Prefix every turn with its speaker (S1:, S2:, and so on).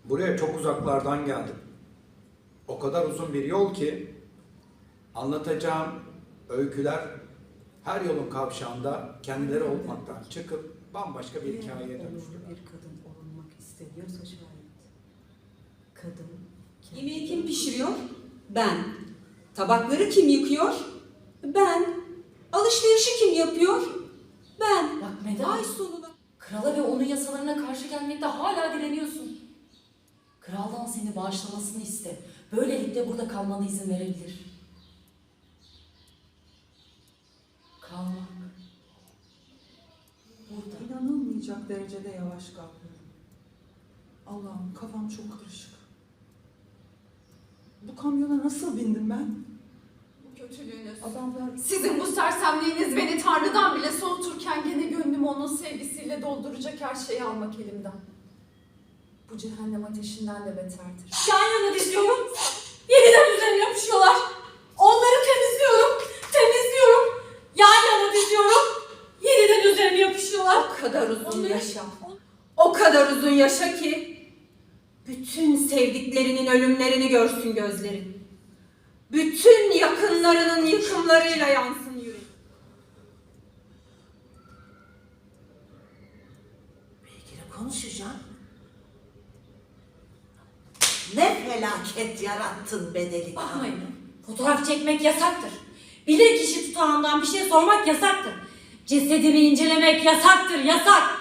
S1: Buraya çok uzaklardan geldim. O kadar uzun bir yol ki anlatacağım öyküler her yolun kavşağında kendileri olmaktan çıkıp bambaşka bir hikayeye dönüştüler.
S2: Bir kadın olunmak isteniyorsa şayet. Kadın.
S3: Yemeği kim pişiriyor? Ben. Tabakları kim yıkıyor? Ben. Alışverişi kim yapıyor? Ben.
S4: Bak Medar,
S3: Ay sonuna.
S4: krala ve onun yasalarına karşı gelmekte hala direniyorsun. Kraldan seni bağışlamasını iste. Böylelikle burada kalmana izin verebilir. Kalmak. Burada.
S2: İnanılmayacak derecede yavaş kalkıyorum. Allah'ım, kafam çok karışık. Bu kamyona nasıl bindim ben?
S5: Bu kötülüğünüz,
S2: Adamlar
S5: sizin bu sersemliğiniz beni Tanrı'dan bile soğuturken gene gönlümü onun sevgisiyle dolduracak her şeyi almak elimden. Bu cehennem ateşinden de beterdir.
S4: Yan yana diziyorum. Yeniden üzerine yapışıyorlar. Onları temizliyorum. Yan yana diziyorum. Yeniden üzerine yapışıyorlar.
S3: O kadar uzun yaşa. O kadar uzun yaşa ki bütün sevdiklerinin ölümlerini görsün gözlerin. Bütün yakınlarının yıkımlarıyla yansın yüreğin.
S6: Belki konuşacağım. Ne felaket yarattın be delikanlı.
S4: Bakmayın. Fotoğraf çekmek yasaktır. Bilirkişi tutağından bir şey sormak yasaktır. Cesedimi incelemek yasaktır, yasak.